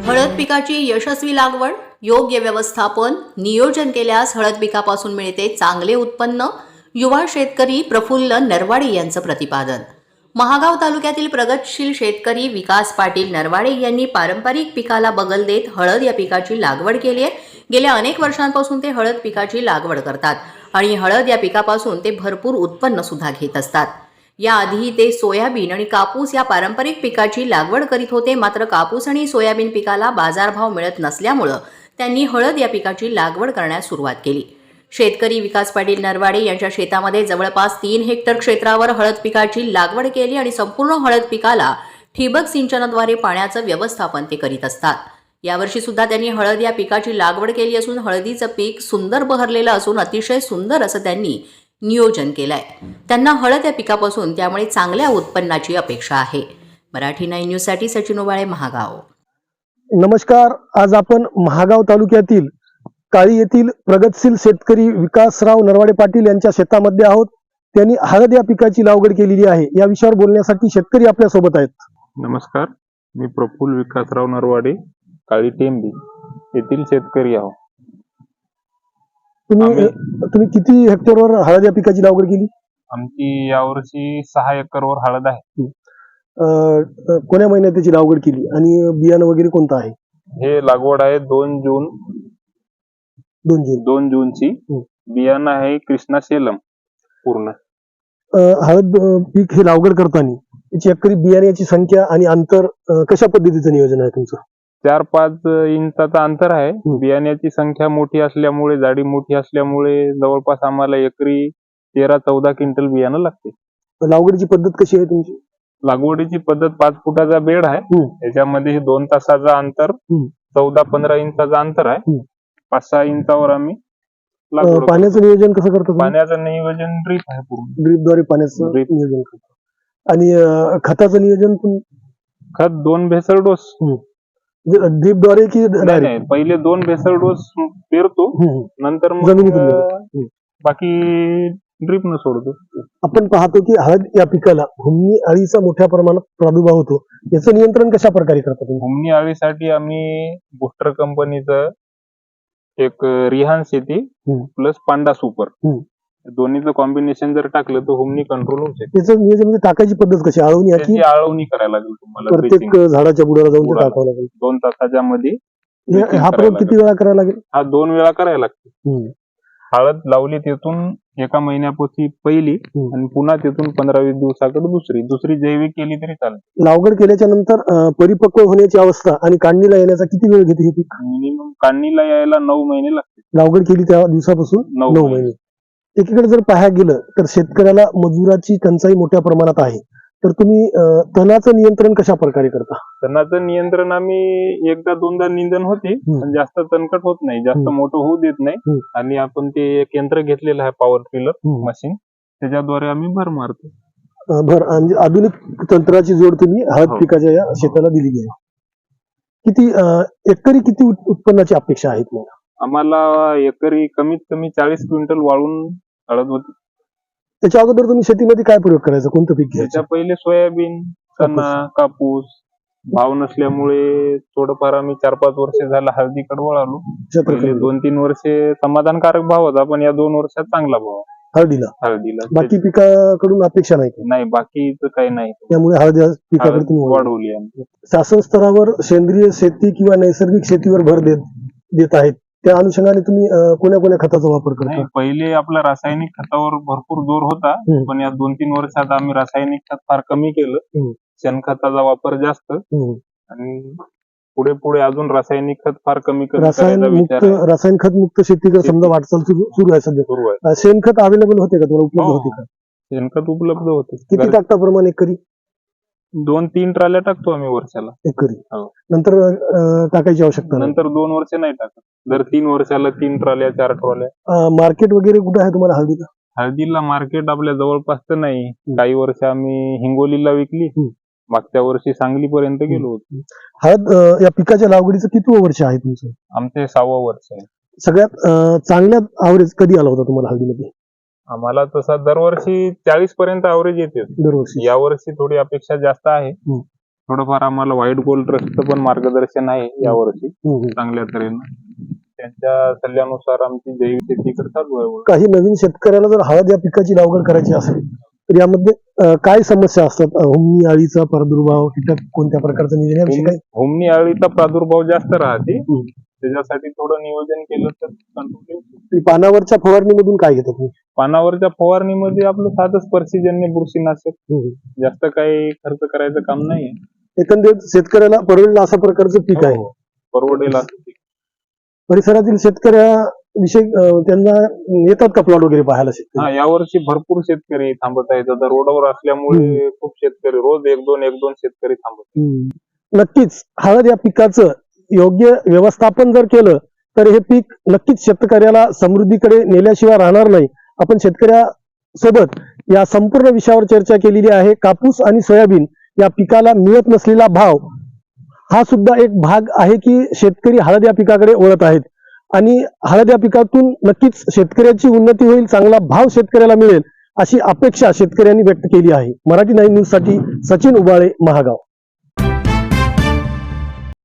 हळद पिकाची यशस्वी लागवड, योग्य व्यवस्थापन, नियोजन केल्यास हळद पिकापासून मिळते चांगले उत्पन्न. युवा शेतकरी प्रफुल्ल नरवाडे यांचं प्रतिपादन. महागाव तालुक्यातील प्रगतशील शेतकरी विकास पाटील नरवाडे यांनी पारंपरिक पिकाला बगल देत हळद या पिकाची लागवड केली आहे. गेल्या अनेक वर्षांपासून ते हळद पिकाची लागवड करतात आणि हळद या पिकापासून ते भरपूर उत्पन्न सुद्धा घेत असतात. याआधी ते सोयाबीन आणि कापूस या पारंपरिक पिकाची लागवड करीत होते. मात्र कापूस आणि सोयाबीन पिकाला बाजारभाव मिळत नसल्यामुळे त्यांनी हळद या पिकाची लागवड करण्यास सुरुवात केली. शेतकरी विकास पाटील नरवाडे यांच्या शेतामध्ये जवळपास 3 हेक्टर क्षेत्रावर हळद पिकाची लागवड केली आणि संपूर्ण हळद पिकाला ठिबक सिंचनाद्वारे पाण्याचं व्यवस्थापन ते करीत असतात. यावर्षी सुद्धा त्यांनी हळद या पिकाची लागवड केली असून हळदीचं पीक सुंदर बहरलेलं असून अतिशय सुंदर असं त्यांनी नियोजन केलंय. त्यांना हळद या पिकापासून त्यामुळे चांगल्या उत्पन्नाची अपेक्षा आहे. मराठी 9 न्यूजसाठी सचिन उबाळे, महागाव. नमस्कार. आज आपण महागाव तालुक्यातील काळी येथील प्रगतशील शेतकरी विकासराव नरवाडे पाटील यांच्या शेतामध्ये आहोत. त्यांनी हळद या पिकाची लागवड केलेली आहे. या विषयावर बोलण्यासाठी शेतकरी आपल्या सोबत आहेत. नमस्कार, मी प्रफुल्ल विकासराव नरवाडे, काळी टेंबी येथील शेतकरी आहोत. तुम्ही किती हेक्टरवर हळद या पिकाची लागवड केली? आमची यावर्षी 6 एकरवर हळद आहे. कोण्या महिन्यात त्याची लागवड केली आणि बियाणं वगैरे कोणतं आहे? हे लागवड आहे 2 जूनची. बियाणं आहे कृष्णा सेलम पूर्ण. हळद पीक हे लागवड करताना याची एकरी बियाण्याची संख्या आणि अंतर कशा पद्धतीचं नियोजन आहे तुमचं? 4-5 इंचाचा अंतर आहे. बियाण्याची संख्या मोठी असल्यामुळे, जाडी मोठी असल्यामुळे जवळपास आम्हाला एकरी 13-14 क्विंटल बियाणं लागते. लागवडीची पद्धत कशी आहे तुमची? लागवडीची पद्धत 5 फुटाचा बेड आहे. त्याच्यामध्ये 2 तासाचा अंतर, 14-15 इंचाचा अंतर आहे. 5-6 इंचावर आम्ही लागवड. पाण्याचं नियोजन कसं करतो? पाण्याचं नियोजन ड्रीप आहे पूर्ण. ड्रीपद्वारे पाण्याचं नियोजन करतो. आणि खताचं नियोजन पण? खत 2 भेसळ डोस. ड्रीपद्वारे की नाही, पहिले 2 भेसळ डोस पेरतो, नंतर बाकी ड्रीप न सोडतो. आपण पाहतो की हळद या पिकाला हुमणी अळीचा मोठ्या प्रमाणात प्रादुर्भाव होतो. याचं नियंत्रण कशा प्रकारे करतात? हुमणी अळीसाठी आम्ही बुस्टर कंपनीचं एक रिहान शेती प्लस पांडा सुपर दोन्हीचं कॉम्बिनेशन जर टाकलं तर हुमणी कंट्रोल होऊ शकते. त्याचं नियोजन म्हणजे टाकायची पद्धत कशी? आळवणी करायला लागेल तुम्हाला. प्रत्येक झाडाच्या बुडाला जाऊन टाकावं लागेल. 2 तासाच्या मध्ये. हा प्रयोग किती वेळा करायला लागेल? हा 2 वेळा करायला लागतो. हळद लावली तिथून 1 महिन्यापासून पहिली आणि पुन्हा तिथून 15-20 दिवसाकडे दुसरी जैविक केली तरी चालते. लागवड केल्याच्या नंतर परिपक्व होण्याची अवस्था आणि काढणीला येण्याचा किती वेळ घेते हे पीक? मिनिमम काढणीला यायला 9 महिने लागते. लागवड केली त्या दिवसापासून 9 महिने. एकीकडे जर पाहायला गेलं तर शेतकऱ्याला मजुराची टंचाई मोठ्या प्रमाणात आहे. तर तुम्ही तणाचं नियंत्रण कशा प्रकारे करता? तणाचं नियंत्रण आम्ही 1-2दा निंदन होते, पण जास्त तणकट होत नाही, जास्त मोठं होऊ देत नाही. आणि आपण ते एक यंत्र घेतलेलं आहे, पॉवर टिलर मशीन, त्याच्याद्वारे आम्ही भर मारतो. म्हणजे आधुनिक तंत्राची जोड तुम्ही हळद पिकाच्या या शेताला दिलेली आहे. किती एकरी किती उत्पन्नाची अपेक्षा आहे तुम्हाला? आम्हाला एकरी कमीत कमी 40 क्विंटल वाळून हळद होती. त्याच्या अगोदर तुम्ही शेतीमध्ये काय प्रयोग करायचा? कोणतं पीक घ्यायचं? त्याच्या पहिले सोयाबीन, चना, कापूस. भाव नसल्यामुळे थोडंफार आम्ही 4-5 वर्ष झाला हळदीकडे वळालो. 2-3 वर्षे समाधानकारक भाव होता, पण या 2 वर्षात चांगला भाव हळदीला. बाकी पिकाकडून अपेक्षा नाही? बाकीचं काही नाही. त्यामुळे हळद पिकाकडे तुम्ही वाढवली आहे. शासन स्तरावर सेंद्रिय शेती किंवा नैसर्गिक शेतीवर भर देत आहेत. त्या अनुषंगाने तुम्ही कोण्या खताचा वापर करता? पहिले आपला रासायनिक खतावर भरपूर जोर होता, पण या 2-3 वर्षात आम्ही रासायनिक खत फार कमी केलं. शेणखताचा वापर जास्त आणि पुढे अजून रासायनिक खत फार कमी रासायनिक खत मुक्त शेतीकडे समजा वाटचाल सुरू आहे सध्या. शेणखत अवेलेबल होते का तुम्हाला? उपलब्ध होते का? शेणखत उपलब्ध होते. किती टाकता प्रमाणे एकरी? 2-3 ट्राल्या टाकतो आम्ही वर्षाला एकरी. नंतर टाकायची आवश्यकता? नंतर 2 वर्ष नाही टाकत. दर 3 वर्षाला 3 ट्रॉल्या 4 ट्रॉल्या. मार्केट वगैरे कुठे आहे तुम्हाला हळदीला? हळदीला मार्केट आपल्या जवळपास तर नाही. काही वर्ष आम्ही हिंगोलीला विकली, मागच्या वर्षी सांगली पर्यंत गेलो होतो. हळद या पिकाच्या लागवडीचं किती वर्ष आहे तुमचं? आमचे 6वं वर्ष आहे. सगळ्यात चांगल्या ॲव्हरेज कधी आला होता तुम्हाला हळदीमध्ये? आम्हाला तसा दरवर्षी 40 पर्यंत ॲव्हरेज येते दरवर्षी. यावर्षी थोडी अपेक्षा जास्त आहे. थोडंफार आम्हाला व्हाईट गोल्ड ट्रस्टचं पण मार्गदर्शन आहे यावर्षी चांगल्या तऱ्हेनं. त्यांच्या सल्ल्यानुसार आमची जैविक शेतीकडे चालू आहे. काही नवीन शेतकऱ्याला जर हळद या पिकाची लागवड करायची असेल तर यामध्ये काय समस्या असतात? हुमणी, अळीचा प्रादुर्भाव, कीटक कोणत्या प्रकारचं नियोजन याविषयी काही? हुमणी अळीचा प्रादुर्भाव जास्त राहते, त्याच्यासाठी थोडं नियोजन केलं तर कंट्रोल येऊ शकतं. पानावरच्या फवारणीमधून काय घेतात तुम्ही? पानावरच्या फवारणीमध्ये आपलं साधं स्पर्शीजन्य बुरशीनाशक, जास्त काही खर्च करायचं काम नाहीये. एकंदरीत शेतकऱ्याला परवडेल अशा प्रकारचं पीक आहे. हो, परवडेल असं पीक. परिसरातील शेतकऱ्याविषयी त्यांना येतात का प्लॉट वगैरे पाहायला शेतकरी? हा, यावर्षी भरपूर शेतकरी थांबत आहेत. आता रोडवर असल्यामुळे खूप शेतकरी रोज एक दोन शेतकरी थांबत आहेत. नक्कीच हळद या पिकाचं योग्य व्यवस्थापन जर केलं तर हे पीक नक्कीच शेतकऱ्याला समृद्धीकडे नेल्याशिवाय राहणार नाही. आपण शेतकऱ्यासोबत या संपूर्ण विषयावर चर्चा केलेली आहे. कापूस आणि सोयाबीन या पिकाला मिळत नसलेला भाव हा सुद्धा एक भाग आहे की शेतकरी हळद या पिकाकडे वळत आहेत आणि हळद या पिकातून नक्कीच शेतकऱ्याची उन्नती होईल, चांगला भाव शेतकऱ्याला मिळेल अशी अपेक्षा शेतकऱ्यांनी व्यक्त केली आहे. मराठी 9 न्यूज साठी सचिन उबाळे, महागाव.